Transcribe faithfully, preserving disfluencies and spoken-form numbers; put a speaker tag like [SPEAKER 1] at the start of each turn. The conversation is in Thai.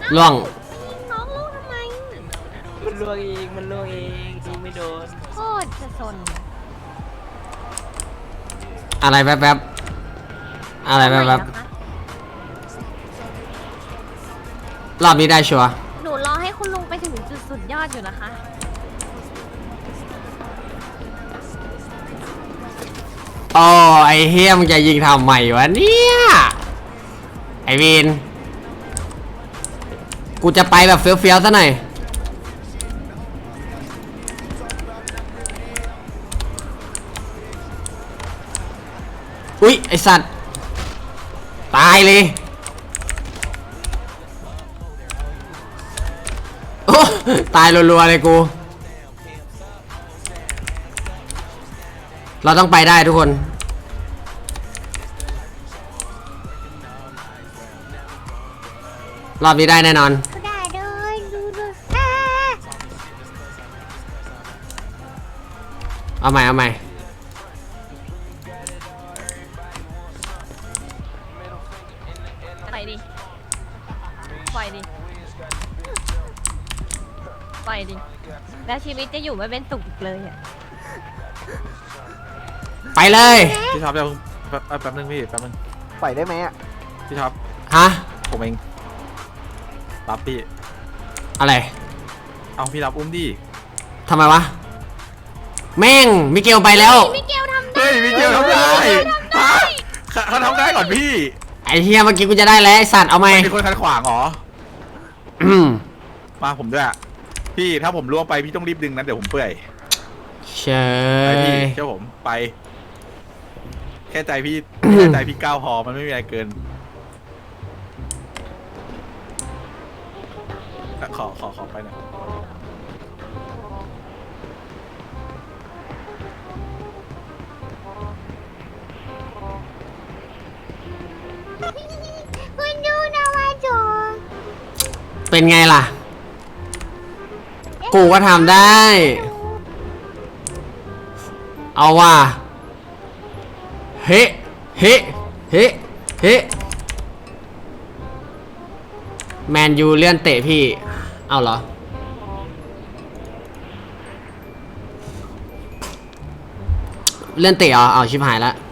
[SPEAKER 1] ล่วง
[SPEAKER 2] น้องลูกทำไม
[SPEAKER 3] มันล่วงเองมันล่วงเองยิงไม่โดน
[SPEAKER 2] โคตรจะสน
[SPEAKER 1] อะไรแป๊บๆอะไรแป๊บๆรอบนี้ได้ชัวร์
[SPEAKER 2] หนูรอให้คุณลุงไปถึงจุดสุดยอดอยู่นะคะ
[SPEAKER 1] โอ้ไอเฮียมึงจะยิงทำใหม่วะเนี่ยไอวินกูจะไปแบบเฟี้ยวๆซะหน่อยอุ๊ยไอสัตว์ตายเลยโอ้ตายรัวๆเลยกูเราต้องไปได้ทุกคนรอบนี้ได้แน่นอน
[SPEAKER 2] ได้เลยดูดู
[SPEAKER 1] เอาใหม่เอาใหม่
[SPEAKER 2] ไปดิปล่อยดิปล่อยดิแล้วชีวิตจะอยู่ไม่เป็นสุขอีกเลยอ่ะ
[SPEAKER 1] ไปเลย
[SPEAKER 4] พี่ท็อปเดี๋ยวแป๊บแป๊บนึงพี่แป๊บนึง
[SPEAKER 5] ปล่อยได้ไหมอ่ะ
[SPEAKER 4] พี่ท็อป
[SPEAKER 1] ฮะ
[SPEAKER 4] ผมเองรับพี่
[SPEAKER 1] อะไร
[SPEAKER 4] เอาพี่รับอุ้มดิ
[SPEAKER 1] ทำไมวะแม่งมิเกลไปแล้ว
[SPEAKER 2] มิเกลทำได้
[SPEAKER 4] เฮ้ยมิเกลทำได้ฮะเขาทำได้ก่อนพี่
[SPEAKER 1] ไอ้เฮียเมื่อกี้กูจะได้แล้วไอ้สัตว์เอาไหม
[SPEAKER 4] มีคนขัดขวางเหรอมาผมด้วยพี่ถ้าผมล่วงไปพี่ต้องรีบดึงนะเดี๋ยวผมเปื่อย
[SPEAKER 1] เช
[SPEAKER 4] ไปพี่
[SPEAKER 1] ย
[SPEAKER 4] เชื่อผมไปแค่ใจพี่แค่ใจพี่ก้าวพอมันไม่มีอะไรเกินขอขอขอไปหน่อย
[SPEAKER 2] คุณดูนะว่าโจ
[SPEAKER 1] เป็นไงล่ะกูก็ทำได้เอาว่ะเฮ้เฮ้เฮ้เฮ้แมนยูเลื่อนเตะพี่เอาเหรอเลื่อนเตะเหรอเอาชิบหายแล้ว